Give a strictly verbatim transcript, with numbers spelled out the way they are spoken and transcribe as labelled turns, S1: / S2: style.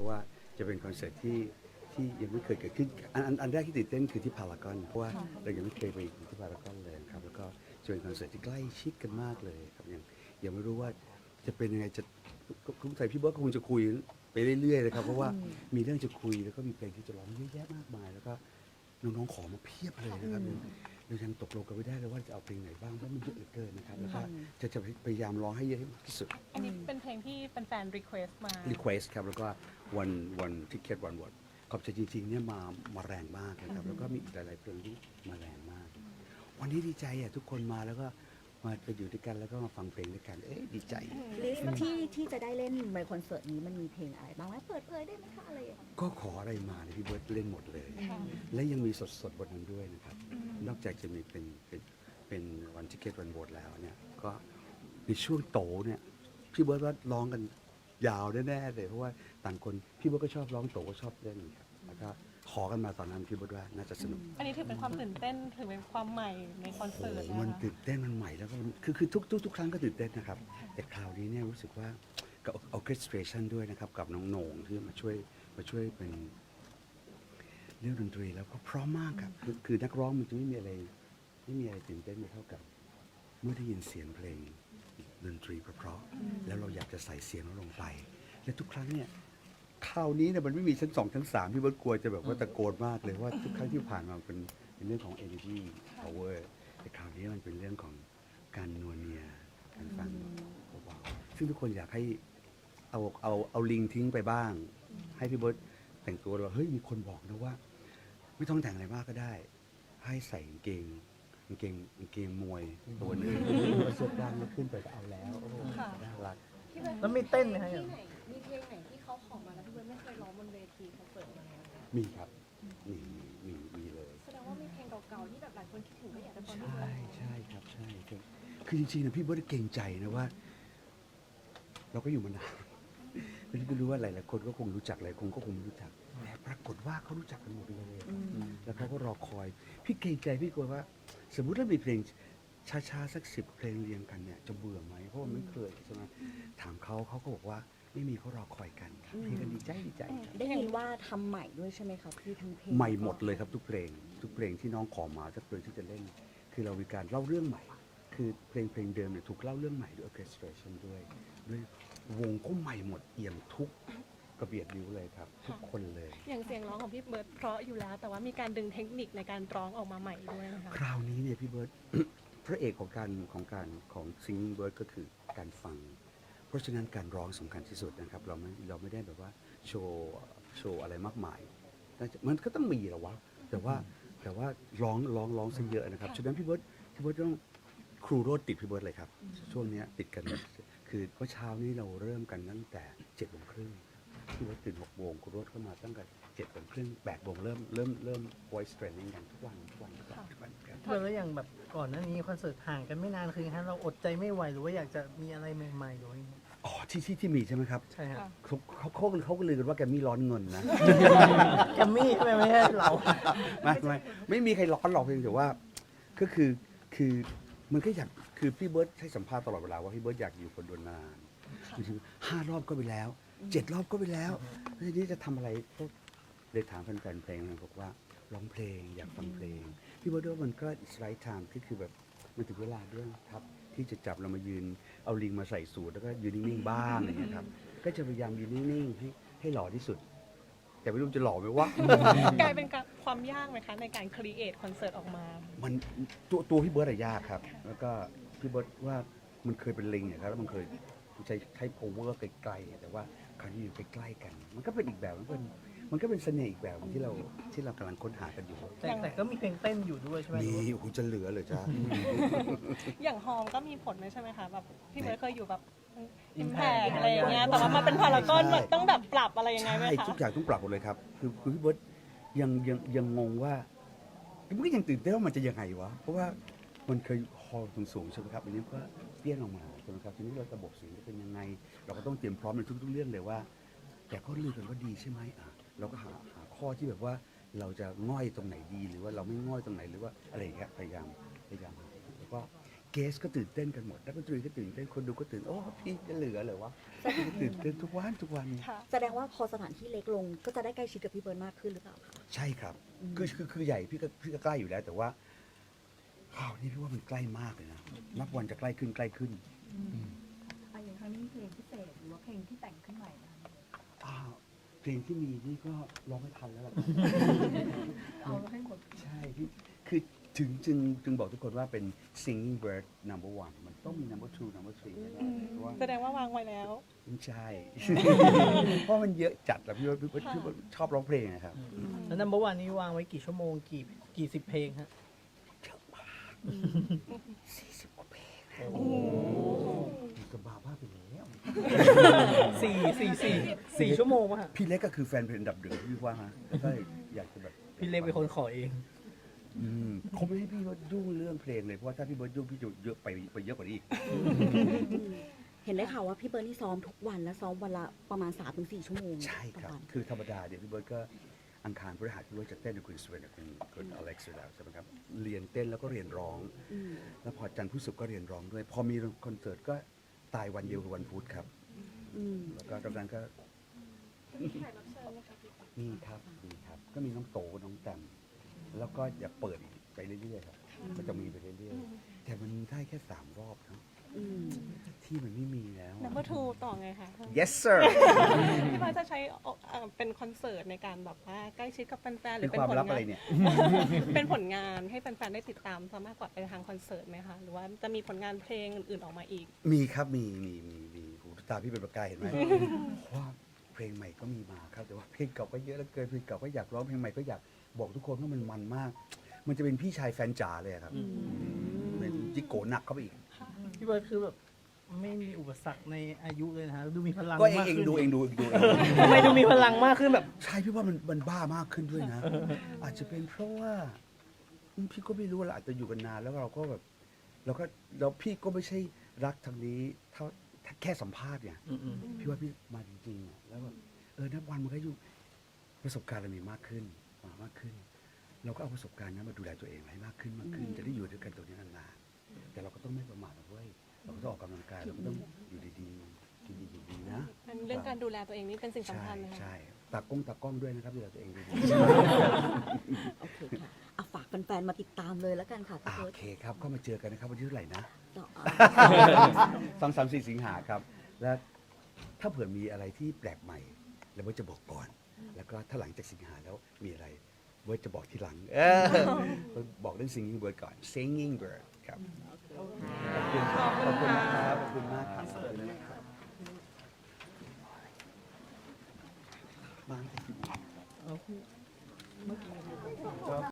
S1: ราะว่าจะเป็นคอนเสิร์ตที่ที่ยังไม่เคยเกิดขึ้นอันอันอันแรกที่ตื่นเต้นคือที่พารากอนเพราะว่าเรายังไม่เคยไปที่พารากอนเลยครับแล้วก็จะเป็นคอนเสิร์ตที่ใกล้ชิดกันมากเลยครับยังยังไม่รู้ว่าจะเป็นยังไงจะคุณใส่พี่เบิร์ดก็คงจะคุยไปเรื่อยๆเลยครับเพราะว่ามีเรื่องจะคุยแล้วก็มีเพลงที่จะร้องเยอะแยะมากมายแล้วก็น้องๆขอมาเพียบเลยนะครับเรายังตกลงกันไม่ได้เลยว่าจะเอาเพลงไหนบ้างเพราะมันเยอะเหลือเกินนะครับแล้วก็จะจะพยายามร้องให้เยอะที่สุด
S2: อันนี้เป็นเพลงที่แฟนๆ request มา
S1: request ครับแล้วก็วันวันทิเก็ตวันวอดขอบใจจริงๆเนี่ยมามาแรงมากนะครับแล้วก็มีอีกหลายๆเพลงที่มาแรงมาก วันนี้ดีใจอ่ะทุกคนมาแล้วก็มาไปอยู่ด้วยกันแล้วก็มาฟังเพลงด้วยกันเอ๊ะดีใจ
S3: ลิสต์ที่ที่จะได้เล่นในคอนเสิร์ตนี้มันมีเพลงอะไรบ้างไหมเปิดเผยได้ไหมคะอะไรอย่างเงี้ย
S1: ก็ขออะไรมาเนี่ยพี่เบิร์ดเล่นหมดเลย และยังมีสดๆบนนั้นด้วยนะครับ นอกจากจะมีเป็นเป็นเป็นวันทิเก็ตวันโหวตแล้วเนี่ยก็ในช่วงโตเนี่ยพี่เบิร์ดว่าร้องกันยาวแน่ๆเลยเพราะว่าต่างคนพี่เบิร์ดก็ชอบร้องโตก็ชอบเล่นครับแล้วก็ขอกันมาตอนนั้นพี่เบิร์ดว่าน่าจะสนุก
S2: อันนี้ถือเป็นความตื่นเต้นถือเป็นความใหม่ในคอนเสิร์ต
S1: โอ้
S2: นะ
S1: มัน
S2: คะ
S1: ตื่นเต้นมันใหม่แล้วก็คือคือทุกทุกทุกครั้งก็ตื่นเต้นนะครับ แต่คราวนี้เนี่ยรู้สึกว่ากับ orchestration ด้วยนะครับ กับน้องโหน่งที่มาช่วยมาช่วยเป็นเรื่องดนตรีแล้วก็พร้อมมากครับคือคือนักร้องมันจะไม่มีอะไรไม่มีอะไรตื่นเต้นไปเท่ากับ เมื่อได้ยินเสียงเพลงดนตรีเพราะๆแล้วเราอยากจะใส่เสียงเราลงไป และทุกครั้งเนี่ยคราวนี้เนี่ยมันไม่มีชั้นสองชั้นสามพี่เบิร์ดกลัวจะแบบว่าตะโกนมากเลยว่าทุกครั้งที่ผ่านมาเป็นเป็นเรื่องของ energy power แต่คราวนี้มันเป็นเรื่องของการนวลเนียการฟังเบาๆซึ่งทุกคนอยากให้เอาเอาเอาลิงทิ้งไปบ้าง ให้พี่เบิร์ดแต่งตัวว่าเฮ้ยมีคนบอกนะว่า ไม่ต้องแต่งอะไรมากก็ได้ ให้ใส่กางเกงกางเกงกางเกงมวยตัวหนึงแล้วเสื้อกล้ามแล้วขึ้นไปก็เอาแล้วโอ้โหน่ารัก
S4: แล้วมีเต้นไหมคะ
S5: ที่ไหนมีเพลงไหนที่เขาขอมาแล้วพี่เบิร์ดไม่เคยร้องบนเวทีคอนเสิร์ตมาแล้วนะ
S1: มีครับ มีมีมีเลย
S5: แสดงว่ามีเพลงเก่าๆที่แบบหลายคนคิดถึงก็อยากจะฟัง
S1: ใช
S5: พี่เบิร์
S1: ่
S5: ด
S1: ใช่ครับใช่ครับคือจริงๆนะพี่เบิร์ดเก่งใจนะว่า เราก็อยู่มานานไม่รู้ไม่รู้ว่าหลายๆคนก็คงรู้จักหลายคนก็คงไม่รู้จักแต่ปรากฏว่าเขารู้จักกันหมดเลยแล้วเขาก็รอคอย พี่เกรงใจพี่กลัวว่า สมมุติถ้ามีเพลงช้าๆสักสิบเพลงเรียงกันเนี่ยจะเบื่อไหมเพราะว่าไม่เคยใช่ไหมถามเขาเขาก็บอกว่าไม่มีเขารอคอยกันพี่ก็ดีใจดีใจครับ
S3: ได้ยินว่าทำใหม่ด้วยใช่ไหมครับพี่ทั้งเพลง
S1: ใหม่หมดเลยครับทุกเพลง ทุกเพลงที่น้องขอมาทุกเพลงที่จะเล่น คือเรามีการเล่าเรื่องใหม่ คือเพลงเพลงเดิมเนี่ยถูกเล่าเรื่องใหม่ด้วย orchestration ด้วยด้วยวงก็ใหม่หมดเอี่ยมทุกกระเบียดนิ้วเลยครับ ทุกคนเลย
S2: อย่างเสียงร้องของพี่เบิร์ดเพราะอยู่แล้ว แต่ว่ามีการดึงเทคนิคในการร้องออกมาใหม่ด้วยนะคะ
S1: คราวนี้เนี่ยพี่เบิร์ต พระเอกของการของการของ singing bird ก็คือการฟัง เพราะฉะนั้นการร้องสำคัญที่สุดนะครับ เราไม่เราไม่ได้แบบว่าโชว์โชว์อะไรมากมายน่าจะมันก็ต้องมีแหละวะแต่ว่าแต่ว่าร้องร้องร้องซะเยอะนะครับฉะนั้นพี่เบิร์ตพี่เบิร์ตต้องครูโรดติดพี่เบิร์ตเลยครับ ช่วงเนี้ยติดกันคือเมื่อเช้านี้เราเริ่มกันตั้งแต่เจ็ดโมงครึ่งพี่เบิร์ตตื่นหกโมงครูโรดเข้ามาตั้งแต่เจ็ดโมงครึ่งแปดโมงเริ่มเริ่มเริ่ม voice training กันทุกวันทุกวันทุกวันทุกวันครับ
S4: เพื่อนแล้วอย่างแบบก่อนหน้านี้คอนเสิร์ตห่างกันไม่นานคือฮะเราอดใจไม่ไหวหรือว่าอยากจะมีอะไรใหม่ๆหรือว่าอย่างเงี้ย
S1: อ๋อที่ที่ที่มีใช่ไหมครับ
S4: ใช่ฮะ
S1: เขาเขาเขาเขาก็ลือกันว่าแกมมี่ร้อนเงินนะ
S4: แกมมี่ใช่ไหมไม่ใช่เรา
S1: ไม่ไม่ไม่มีใครร้อนหรอกเพียงแต่ว่าก็คือคือมันก็อยากคือพี่เบิร์ตให้สัมภาษณ์ตลอดเวลาว่าพี่เบิร์ตอยากอยู่คนเดนนานคือห้ารอบก็ไปแล้วเจ็ดรอบก็ไปแล้วแล้วทีนี้จะทำอะไรก็เลยถามแฟนๆเพลงนะบอกว่าร้องเพลงอยากฟังเพลงพี่เบิร์ตว่ามันก็ it's right time ที่คือแบบมันถึงเวลาด้วยครับที่จะจับเรามายืนเอาลิงมาใส่สูทแล้วก็ยืนนิ่งๆบ้างอะไรอย่างเงี้ยครับก็จะพยายามยืนนิ่งๆให้ให้หล่อที่สุด แต่ไม่รู้จะหล่อไหมวะ
S2: กลายเป็นความยากไหมคะในการครีเอทคอนเสิร์ตออกมา
S1: มันตัวตัวพี่เบิร์ดอะยากครับ แล้วก็พี่เบิร์ดว่ามันเคยเป็นลิงอะครับแล้วมันเคยใช้ใช้ power ไกลๆแต่ว่าคราวนี้อยู่ใกล้ๆกัน มันก็เป็นอีกแบบมันก็เป็นมันก็เป็นเสน่ห์อีกแบบหนึ่งที่เราที่เรากำลังค้นหากันอยู่
S4: แต่แต่ก็มีเพลงเต้นอยู่ด้วยใช่ไหม
S1: มีโอ้โหจะเหลือเลยจ้า
S2: อย่างฮอมก็มีผลเลยใช่ไหมคะแบบพี่เบิร์ดเคยอยู่แบบอิมแพ
S4: Impact
S2: กอะไรอย่างเงี้ยแต่ว่ามาเป็นพารากอน
S1: ใช่
S2: แบบต้องแบบปรับอะไรยังไงไหม
S1: ใช่
S2: คะ
S1: ทุกอย่างต้องปรับหมดเลยครับ คือคือพี่เบิร์ดยังยังยังงงว่ามันก็ยังตื่นเต้นว่ามันจะยังไงวะเพราะว่ามันเคยฮอลสูงๆใช่ไหมครับอันนี้ก็เปี้ยนออกมาใช่ไหมครับทีนี้เราระบบเสียงจะเป็นยังไง เราก็ต้องเตรียมพร้อมในทุกๆเรื่องเลยว่า แต่ก็ลือกันว่าดีใช่ไหมอ่ะเราก็หาหาข้อที่แบบว่าเราจะง่อยตรงไหนดีหรือว่าเราไม่ง่อยตรงไหนหรือว่าอะไรอย่างเงี้ยพยายามพยายามหาแล้วก็เกสก็ตื่นเต้นกันหมดนักดนตรีก็ตื่นเต้นคนดูก็ตื่นโอ้พี่จะเหลือเหรอวะตื่นเต้นทุกวันทุกวัน
S2: ค่ะ
S3: แสดงว่าพอสถานที่เล็กลงก็จะได้ใกล้ชิดกับพี่เบิร์ดมากขึ้นหรือเปล่าคะ
S1: ใช่ครับ คือคือคือใหญ่พี่ก็พี่ก็ใกล้อยู่แล้ว แต่ว่าคราวนี้พี่ว่ามันใกล้มากเลยนะนับวันจะใกล้ขึ้นใกล้ขึ้น
S6: อ่ะอย่างครั้งนี้มีเพลงพิเศษหรือว่าเพลงที่แต่งขึ้นใหม่นะคะ
S1: อ้าวเพลงที่มีนี่ก็ร้องไม่ทันแล้วล่ะ
S6: เอาให้หมด
S1: ใช่พี่คือถึงจึงจึงบอกทุกคนว่าเป็น singing bird number one มันต้องมี number two number three แน่ๆเพราะว่า
S2: แสดงว่าวางไว้แล้ว
S1: ไม่ใช่ เพราะมันเยอะจัดแล้วพี่ว่าพี่ว่าพี่ว่าชอบร้องเพลงนะครับ
S4: แล้วนัมเบอร์วันนี้วางไว้กี่ชั่วโมงกี่กี่สิบเพลงฮะ
S1: สี่สิบกว่าเพลง
S4: โอ้
S1: มันก็บ้าบ้าไปแล้ว
S4: สี่สี่สี่สี่ชั่วโมงวะฮะ
S1: พี่เล็กก็คือแฟนเพลงอันดับหนึ่งพี่ว่าฮะแล้วก็อยากจะแบบ
S4: พี่เล็กเป็นคนขอเอง
S1: อืมเขาไม่ให้พี่เบิร์ดยุ่งเรื่องเพลงเลยเพราะว่าถ้าพี่เบิร์ดยุ่งพี่จะเยอะไปไปเยอะกว่านี้อีก
S3: เห็นได้ข่าวว่าพี่เบิร์ดนี่ซ้อมทุกวันและซ้อมวันละประมาณ สามถึงสี่ ชั่วโมง
S1: ใช่ครับ
S3: ต่อวัน
S1: คือธรรมดาเดี๋ยวพี่เบิร์ดก็อังคารพฤหัสพี่เบิร์ดจะเต้นกับคุณสเวนกับคุณคุณอเล็กซ์อยู่แล้วใช่ไหมครับเรียนเต้นแล้วก็เรียนร้อง
S3: อืม
S1: แล้วพอจันทร์พุธศุกร์ก็เรียนร้องด้วย พอมีคอนเสิร์ตก็ตายวันเดียวคือวันพุธครับ
S3: อืม
S1: แล้วก็ตอนนั้นก็
S5: มีแขกรับเชิญไหมคะพี่
S1: มีครับมีครับ ก็มีน้องโตน้องแตมแล้วก็อย่าเปิดอีกไปเรื่อยๆครับก็จะมีไปเรื่อยๆแต่มันได้แค่สามรอบครับ
S3: อืม
S1: ที่มันไม่มีแล้ว
S2: number two ต่อไงคะ
S1: yes sir
S2: พี่เบิร์ดจะใช้เอ่อเป็นคอนเสิร์ตในการแบบว่าใกล้ชิดกับแฟนๆหรื
S1: เป็
S2: อน เป็น
S1: ความ
S2: ผล
S1: ลับ
S2: งา
S1: อะไร
S2: น
S1: เนี่ย
S2: เป็นผลงานให้แฟนๆได้ติดตามซะมากกว่าไปทางคอนเสิร์ตไหมคะหรือว่าจะมีผลงานเพลงอื่นๆออกมาอีก
S1: มีครับมีมีมีมีหูตาพี่เป็นประกายเห็นไหม เพราะว่าเพลงใหม่ก็มีมาครับแต่ว่าเพลงเก่าก็เยอะเหลือเกินเพลงเก่าก็อยากร้องเพลงใหม่ก็อยากบอกทุกคนว่ามันมันมาก มันจะเป็นพี่ชายแฟนจ๋าเลยอะครับเป็นจิโกหนักเข้าไปอีก
S4: พี่เบิร์ดคือแบบไม่มีอุปสรรคในอายุเลยนะฮะดูมีพลัง
S1: ก็เอง
S4: มาก
S1: เอง
S4: ขึ้น
S1: ดูเองดูดูเอง
S4: ทำไมดูมีพลังมากขึ้นแบบ
S1: ใช่พี่ว่ามันมันบ้ามากขึ้นด้วยนะ อาจจะเป็นเพราะว่าอืมพี่ก็ไม่รู้ว่าเราอาจจะอยู่กันนานแล้วเราก็แบบเราก็แล้วพี่ก็ไม่ใช่รักทางนี้เท่าแค่สัมภาษณ์เนี่ย
S4: อืม
S1: พี่ว่าพี่มาจริงๆอะแล้วแบบเออนับวันมันก็อยู่ประสบการณ์เรามีมากขึ้นมามากขึ้น เราก็เอาประสบการณ์นั้นมาดูแลตัวเองให้มากขึ้นมากขึ้น จะได้อยู่ด้วยกันตรงนี้นานๆแต่เราก็ต้องไม่ประมาทนะเว้ยเราก็ต้องออกกำลังกายเราก็ต้องอยู่ดีๆกินดีๆนะ
S2: เรื่องการดูแลตัวเองนี่เป็นสิ่งสำ
S1: ใช่
S2: คัญนะคะ
S1: ใช่ตากล้องตากล้องด้วยนะครับดูแลตัวเองดี
S3: โอเคค่ะเอาฝากแฟนๆมาติดตามเลยแล้วกันค่ะ
S1: ๆ
S3: พี่
S1: อ่า
S3: เบิ
S1: โอ
S3: ร์ด
S1: เคครับก็มาเจอกันนะครับวันที่เท่าไหร่นะ
S3: ต่ออ่า
S1: สองสามสี่สิงหาครับ และถ้าเผื่อมีอะไรที่แปลกใหม่แล้วเบิร์ตจะบอกก่อน แล้วก็ถ้าหลังจากสิงหาแล้วมีอะไรเบิร์ตจะบอกทีหลังเออบอกเรื่อง singing bird ก่อน singing bird ครับขอบคุณครับขอบคุณนะครับขอบคุณมากครับมา
S4: ๆเอา